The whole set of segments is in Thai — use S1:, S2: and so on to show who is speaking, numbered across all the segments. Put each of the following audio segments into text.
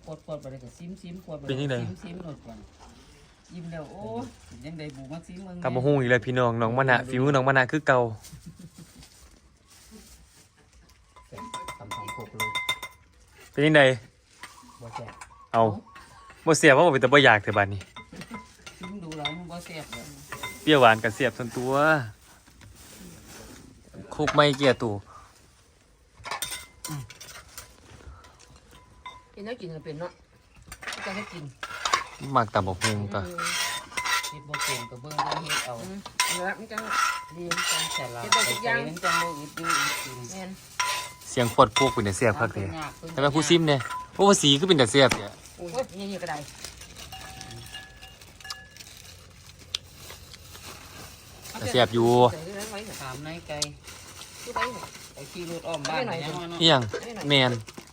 S1: ปวดไปเลยก็ซิมปวดไปซิมหน่อยก่อนยิ้มแล้วโอ้ยังได้บูมาซิมมึง
S2: กลับมาฮู้อีกแล้วพี่น้องน้องมะนะฝีมือน้องมะนะคือเก่า
S1: ทำของโคกเลย
S2: เป็นยังไง
S1: บ่แซ่บ
S2: เอาบ่เสียบเพราะว่าเป็นแต่บ่อยากแต่บัดนี้
S1: ซิมดูแล้วมันบ่แซ่บเลย
S2: เปรี้ยวหวานกับเสียบส่วนตัวคุกไม่เกี่ยตู่
S3: กินแล้วกินก็เป็นเนาะจะให้กิน
S2: มักตำบักหุ่งตะ
S1: เฮ็ดบ่เก่งก็เบิ่งเฮ็ดเอา
S3: แล้วมันจัง
S1: เรียนจังแต่ละไปใจมันจังบ่อึดอยู่อึดกิน
S3: แม่น
S2: เสียงปวดพวกเป็นแต่เสียบคักแท้แต่ว่าผู้ซิมเนี่ยโอ้ว่าสีคือเป็นแต่เสียบเนี่ย
S3: โอ้ยนี่ก็ได้
S2: แต่เสียบอยู่
S1: ถามนายไก่
S3: ที่ไป
S1: ไอ้ขี่รถอ้อมบ้านยังว่าเนาะ
S2: อีหยังแมน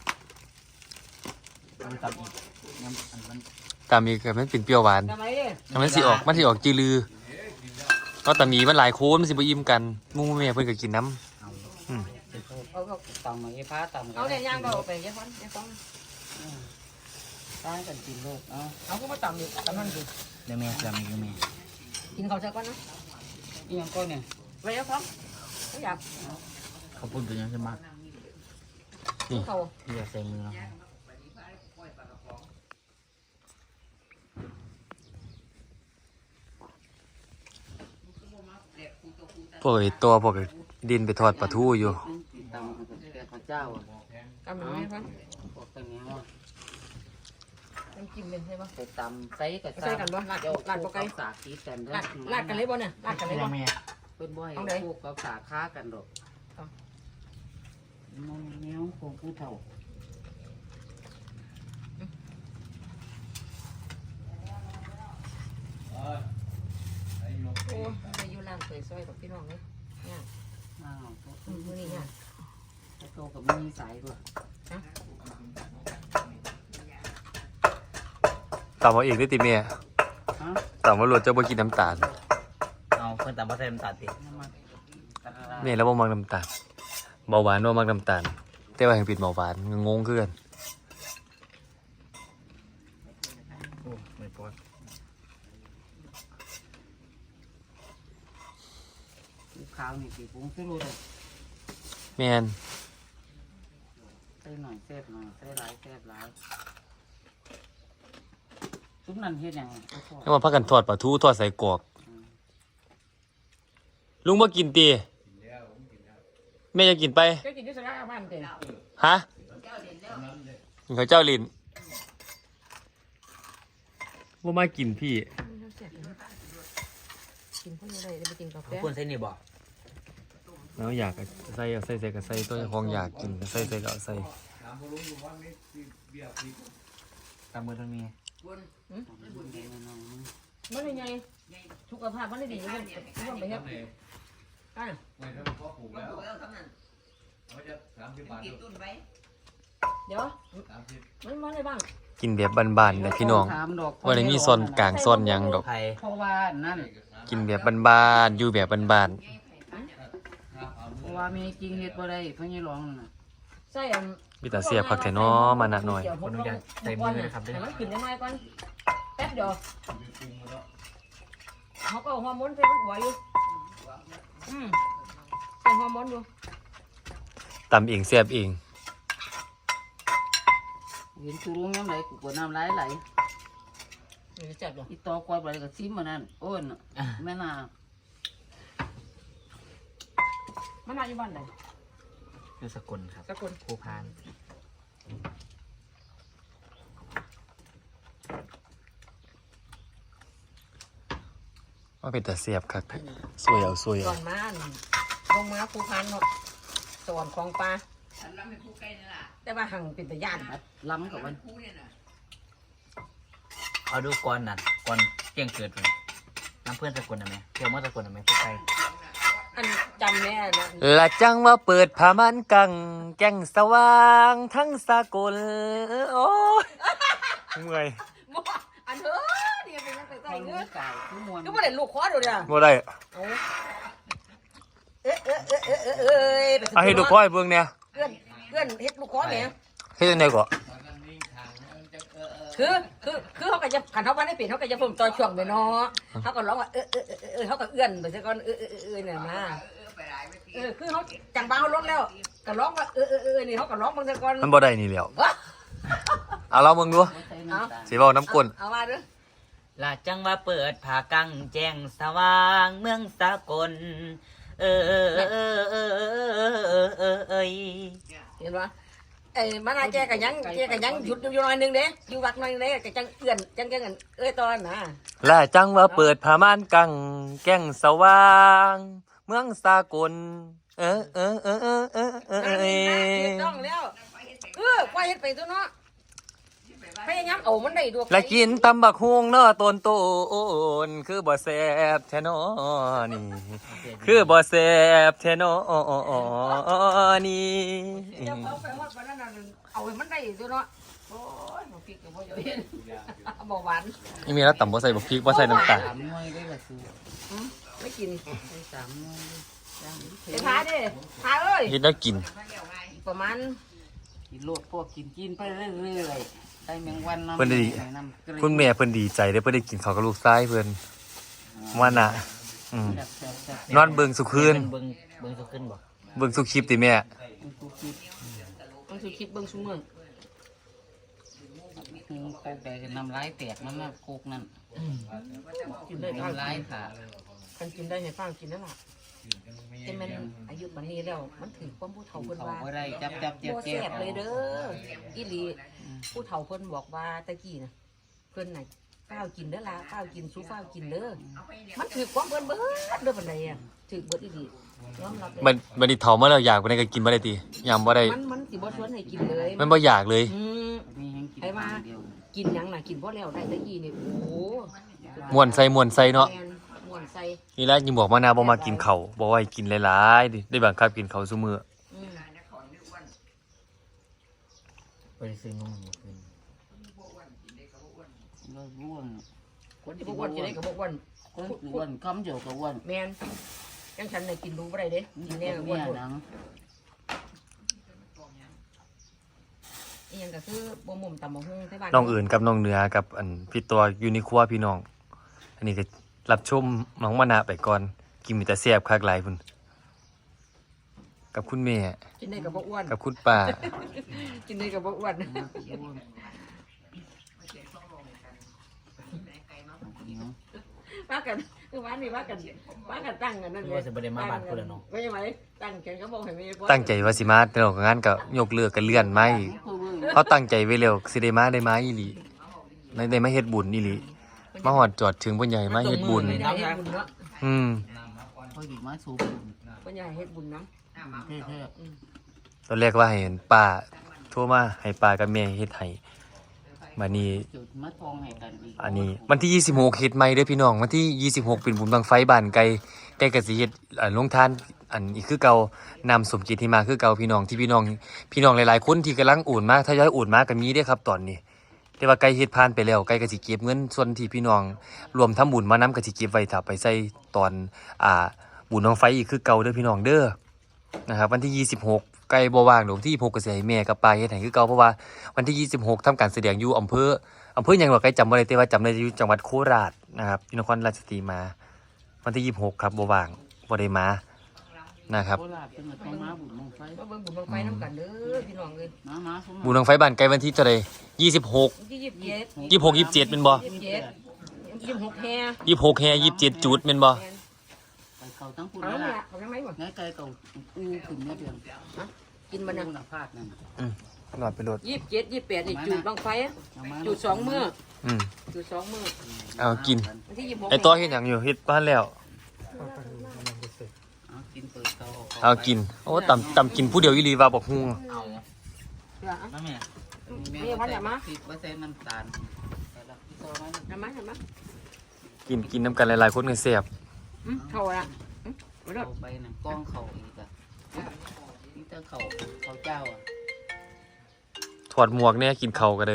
S1: มันตับอีกน้ำอันมัน
S2: ตามีก็มันเป็นเปรี้ยวหวาน
S3: ทำไมเนี่ย
S2: มันสิออกจือลือก็ตามีมันหลายโค้นมันสิบ่อิ่มกันหมู่แม่เพิ่นก็กินน้ำ
S3: เอา
S1: ตำมาไอ้พ้าตำ
S3: เอาเนี่ยย่างเราไปยายฟันยายฟัง
S1: ตายกันกินโลกเอา
S3: เอาก็มาตำดิตำนั่นดิ
S1: เดี๋ยวแม่จำอีกแม่
S3: กินข้าวเช้าก่อนนะ
S1: อีหยังก็เนี่ย
S3: ไปยายฟังไม่อยาก
S1: เขาพูดเป็นยังใช่ไหม
S3: เขา
S1: ที่จะใส่มือเนาะ
S2: พวกไอ้ตัวพวกไอ้ดินไปทอดปลาทูอยู่
S1: ตำแกข้าวเจ้าอ่ะ
S3: กำลังไหมฟัง
S1: พวกตรงนี้ว่า
S3: น้ำจิ้มเป็นใช่ปะ
S1: ไปตำใส่กับ
S3: ใส่กันบ่ลาดลาดบ่ไกล
S1: สากทีกัน
S3: ลาดกันเลยบ่เนี่ยลาดกันเลยบ่
S1: เป็นบ่อยพวกกับสากค้ากันดอกมองแนวคงคือเท่า
S3: โอ้ไปอยู่ร้านเคยซอยกับพี่น้องเลยเนี่ย
S1: อ้าว
S3: มื้อนี้เนี่ย
S1: โตกับมีสายด้วย
S2: ตำเอาเองได้ติแม่
S1: ฮะ
S2: ตำว่ารสเจ้าบ่กินน้ำตาล
S1: เอาเพิ่นตำบ่ใส่น้ำตาลติ
S2: แม่แล้วบ่มักน้ำตาลเบาหวานบ่มักน้ำตาลแต่ว่าให้เป็นเบาหวานงงคือกัน
S1: โอ้ไม่ปวดข้าวนี่สิปรุงซื้อรู้เลย
S2: แม่น
S1: ใส่หน่อยแซ่บหน่อยใส่หลายแซ่บหลายซุปนั่นเฮ็ดหยัง
S2: แล้วมาพักกันทอดปลาทูทอดใส่กรอกลุงบ่กินติแม่จะกินไป
S3: ก็กินที่สระบ้านเต็ม
S2: ฮะกินข้าวเจ้าลิ้นบ่มากินพี่
S3: กินพวกนี้เลยไปกินกาแฟ
S1: ควรใส่นี่บ่
S2: แล้วอยากใส่ใส่กับใส่ตัวของอยากกินใส่ก็เอาใส่
S1: ตามมือตรงนี้
S3: มันยังไงสุขภาพมันได้ดีมันต้องไปเฮ็ดอ่ะเดี๋ยวมันมาได้บ้าง
S2: กินแบบบ้านๆนะพี่น้องว่าได้มีซ่อนกลางซ่อนหยังดอก
S1: เพราะว่านั่น
S2: กินแบบบ้านๆอยู่แบบบ้าน
S1: เพราะว่ามีจริงเฮ็ดบ่ได้เพิ่นยังร้องน่ะ
S3: ใส่
S2: ๆมีแต่เสียผักแท้น้อมานะหน่อย
S3: คนอยากใส่มือนะครับให้มันขึ้นได้ไหมก่อนแป๊บเดียวเขาก็ฮอร์โมนใส่หัวอยู่ใส่ฮอร์โมนอยู่
S2: ตำเองแซ่บเอง
S1: เห็นตูรุงยังไงกูก็น้ำไหลไหล
S3: เจ็บหรอ
S1: อีตอกวาดไปก็ซิมมันนั่นโอ้นแม่น่า
S3: มันน่าอยู่บ้านไหน
S1: อยู่สกลครับ
S3: สกล
S1: ภูพาน
S2: ว่าเป็นแต่เสียบครับสวยเอาสวย
S3: ก่
S2: เอา
S3: อนมาลงมาภูพานเนาะสวนคลองปลาแต่ว่าหังเป็นตะย่าน
S1: ล้ำกับมัน
S4: เอาดูก่อนนั่นก่อนเที่ยงเกิดเลยน้ำเพื่อนสกุลนะแม่เที่ยวเมื่อสกุลนะแม่พวกใคร
S3: อันจำแน่นะ
S2: ละจังว่าเปิดผ้ามันกังแก้งสว่างทั้งสากลโอ้ยเมื่อย
S3: อันเถอะเนี่ยเป็นยังไง
S1: เขา
S3: เนื้
S1: รู้
S3: อ
S1: ไก่ทุกมวล
S3: ก็ไม่ได้ลูกคอดูเนี่ย
S2: บ่ได้ เอาให้ดูก้อยเบิ่งเนี่ย
S3: เพื่อนเฮ็ดลูกคอเนี่ย
S2: เฮ็ดจังได๋ก็
S3: คือเขาก็จะขันเขาว่าได้เปลี่ยนเขาก็จะเพิ่มต่อช่วงไปเนาะเขาก็ร้องว่าเขาก็เอื้อนไปซะก่อนเนี่ยนะคือเขาจังบ้าเขาลดแล้วก็ร้องว่านี่เขาก็ร้องบางซะก่อน
S2: มันบ่ได้นี่แล้วเอาเรามึงดูสิบอกน้ำกลน
S3: เอามาเด้อ
S4: ลาจังว่าเปิดผ่ากังแจ้งสว่างเมืองสากลเอ้ย
S3: เห็นปะมานาแกก็ยังหยุดอยู่หน่อยนึงเด้อยู่วักหน่อยนึงเด้ก็จังเอื้อนจังตอนนะ
S2: และจังว่าเปิดผ้าม่านกังแก้งสว่าง เมืองสากล
S3: ถูกต้องแล้วควายเฮ็ดไปตัวเนาะพยายามเอามันได้ด้วย
S2: และกินตำบักฮวงเนาะต้นนคือบ่แซ่บแท้นอนี่ คือบ่แซ่บแท้นอนี่
S3: เดี๋ยวเอาไปว่าวันนั้นเอาให้มันได้ตัวเนาะโอ้ยบ่พริกก็บ่เห็นบ่หวาน
S2: นี่มีแล้วตำบ่ใส่บักพริกบ่ใส่น้ำตาล
S1: 3 หน่วยได้ละซื้อ
S3: ไม่กิน
S1: ใส่3 หน่วยย่างนี้
S3: ไปพาดิพาเอ้ย
S2: เฮ็ดแล้วกิน
S3: ประมาณ
S1: กินโลดพวกกินไปเรื่อยๆได้แมงวันน้ำ
S2: เพิ่นได้ดี คุณแม่เพิ่นดีใจได้เพิ่นได้กินข้าวกับลูกชายเพิ่นว่าน่ะนอนเบิ่งสุคืน
S4: เบิ่งสุขึ้นบ่
S2: เบิ่งสุคลิปติแม่
S3: ต้องสิคิดเบิ่งซุมื้อ
S1: โคกได้น้ำลายแตกนั่นน่ะโคกนั่น
S3: กินได้
S1: น้ำลายค่ะ
S3: คันกินได้ให้ฟังกินนั่นล่ะแต่มันอายุบัดนี้แล้วมันถึงความผู้เฒ่าเพิ่น
S1: เขา
S3: ว่า
S1: บ่ได้จับ
S3: บ่แซ่บเลยเด้ออีหลีผู้เฒ่าเพิ่นบอกว่าตะกี้น่ะเพิ่นน่ะข้าวกินเด้อล่ะข้าวกินสู้ข้าวกินเด้อมันถือความเพิ่นเบิดเด้อปานใดอ่ะถือเบิดอีหลียอมรับเลย
S2: บัดนี้เฒ่ามาแล้วอยากบ่ได้ก็กินบ่ได้ติยามบ่ได้
S3: มันสิบ่ชวนให้กินเลย
S2: มันบ่อยากเลย
S1: มีแห้งกิน
S3: ไอ้ว่ากินหยังน่ะกินบ่แล้วได้ตะกี้นี่โอ้โห
S2: ม่วนใส่เนาะ
S3: แม่ม่วนใส่
S2: นี่แหละยิ่งบอกมานาบ่มากินข้าวบอกว่าให้กินหลายๆดิได้บังคับกินข้าวซุมื้อ
S3: อืม
S4: ไปซื้อนมมาคืน
S1: ก็ร่วง
S3: คนที่บ่อ้วนจะได้ก็บ่อ้วน
S1: คนอ้วนคำเดียวก็อ้วน
S3: แม่นจังฉันน่ะกินดูบ่ได้เด้กินแน่ก็อ้วน
S1: เนี่ย
S3: หมด
S1: นัง
S3: อีหยังก็คือบ่มุมตำบักหุ่งที่บ้าน
S2: น้องอื่นกับน้องเหนือกับอันพี่ตัวอยู่ในครัวพี่น้อง อันนี้ก็รับชมน้องมานะไปก่อนกินมีแต่แซ่บคักหลายพุ่นกับคุณแม่
S3: กินได้ก็บ่อ้วน
S2: กับคุณป้า
S3: กินได้ก็บ่อ้วนว่ากันคือว่านี่ว่ากันตั้งกันนั่น
S4: ว่าจะบ่ได้มาบ้านพุ่นแล้วเนาะ
S3: ไม่ใช่ไหมตั้งแขนก็บอกให้ไม่ได้
S2: ตั้งใจว่าสิมาแต่เรางานก็ยกเลิกกันเลื่อนมาอีกเขาตั้งใจไว้แล้วสิได้มาอีหลีได้มาเฮ็ดบุญอีหลีมาฮอดจอดถึงเพิ่นใหญ่มาเฮ็ดบุญ
S3: ไม่ได้เฮ็ดบุญเนาะ
S1: เขาหยิบมาสูบ
S3: เพิ่นอยากให้เฮ็ดบุญนำ
S1: เท่
S2: ตอนแรกว่าให้ป้าโทรมาให้ป้ากับแม่เฮ็ดให้บัดนี้
S1: ๆจุดมาทองให้กันอีก
S2: อันนี้วันที่26เฮ็ดใหม่เด้อพี่น้องวันที่26เป็นบุญบังไฟบ้านไกลก็สิเฮ็ดลงทานอันอีกคือเก่านำสมจิตที่มาคือเก่าพี่น้องที่พี่น้องหลายๆคนที่กำลังโอนมาทยอยโอนมาก็มีเด้อครับตอนนี้แต่ว่าไกลเฮ็ดผ่านไปแล้วไกลก็สิเก็บเงินส่วนที่พี่น้องรวมทำบุญมานำก็สิเก็บไว้ถ้าไปใส่ตอนบุญบังไฟอีกคือเก่าเด้อพี่น้องเด้อนะครับวันที่26ไกลบ่ว่างดอกที่26ก็สิให้แม่กับป้าเฮ็ดให้คือเก่าเพราะว่าวันที่26ทำการแสดงอยู่อำเภอหยังบ่ไกลจำบ่ได้แต่ว่าจำได้อยู่จังหวัดโคราชนะครับที่นครราชสีมาวันที่26ครับบ่ว่างบ่ได้มานะครับ
S1: โคราชเป็นต้องมาบุญลงไฟ
S3: มาเบิ่งบุญบังไฟน้ำกันเด้อพี่น้องเอ้ย
S1: มาสม
S2: บุญบังไฟบ้านไกลวันที่เท่าใด26
S3: ที่27
S2: 26 27เป็นบ่
S3: 26แฮ
S2: 26แฮ27จุดเป็นบ่
S1: ไปเขาทั้งคุณ
S3: เอา
S1: นั่น
S3: ล่ะ
S1: แหละ
S3: เอาจังได๋บ่
S1: ง่ายไกลเก่าอู้ขึ้นเนี่ยเดือน
S3: กินบ่น่ะ
S1: หน้าพาดนั่น
S2: นอนไปโลด
S3: 27 28นี่จุดบังไฟจุด2มื้อจุด2มื้อ
S2: เอากิน
S3: วันที่26
S2: ไอ้ตัวเฮ็ดหยังอยู่เฮ็ดบ้านแล้ว
S1: กินเปิดเตา
S2: เอากินโอ้ตำกินผู้เดียวอีหลีว่าบอกฮู้
S1: เอาน้ำแม่ผิดว่าใส่น้ำตาลแต่ละพี่ตัวมัน
S3: ทำไม
S2: กินน้ำกันหลายๆคนก็แซ่บ
S3: เข้าละบ่ได้
S1: เอาไปน่ะกล้องเขาอีกอ่ะนี่ถ้าเขาเจ้าอ่ะ
S2: ถอดหมวกเนี่ยกินข้าวกันเลย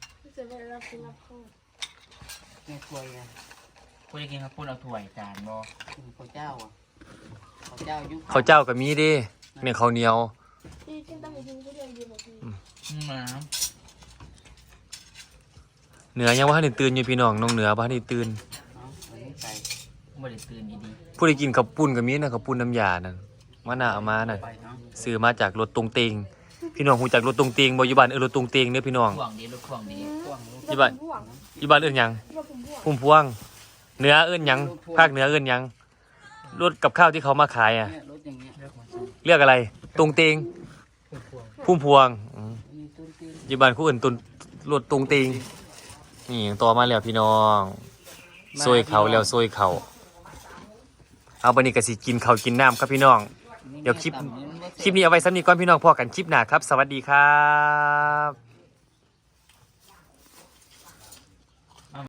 S1: แม่ควยอ่ะ
S4: พูดได้กินครับพูดเอาถ้วยจานบ่
S1: เขาเจ้าอ่ะเขาเจ้ายุค
S2: ข้าวเจ้าก็มีเด้เนี่ยข้าวเหนียว
S4: น้
S2: เหนือยังว่าให้ตื่นอยู่พี่น้องน้องเหนือว่าให้ตื่น
S1: ใส่
S4: บ่ได้ตื่นดี
S2: ผู้ใดกินข้าวปุ้นก็มีนะข้าวปุ้นน้ำยานั่นมาหน้าเอามานั่น
S1: ไปเนาะ
S2: ซื้อมาจากรถตรงเตงพี่น้องฮู้จักรถตรงเตงบ่อยู่บ้านรถตรงเตงเด้อพี่น้อง
S4: ๆห่วงดีลูกห่วงดี
S1: พ่วงลูก
S2: อยู่บ้านอยู่บ้านเอิ้นหยังพุ่มพวงเหนือเอิ้นหยังภาคเหนือเอิ้นหยังรถกับข้าวที่เขามาขายอ่ะ
S1: เนี่ยรถอย่างเงี้ย
S2: เรียกอะไรตรงเตงพุ่มพวง
S1: มีต้นตีน
S2: อยู่บ้านคู่อื่นตุนรถตรงเตงนี่ต่อมาแล้วพี่น้องซวยเขาแล้วซวยเขาเอาบัดนี้ก็สิกินข้าวกินน้ำครับพี่น้อง เดี๋ยวคลิปนี้เอาไว้ซ้ำนี้ก่อนพี่น้องพอกันคลิปหน้าครับ สวัสดีครับ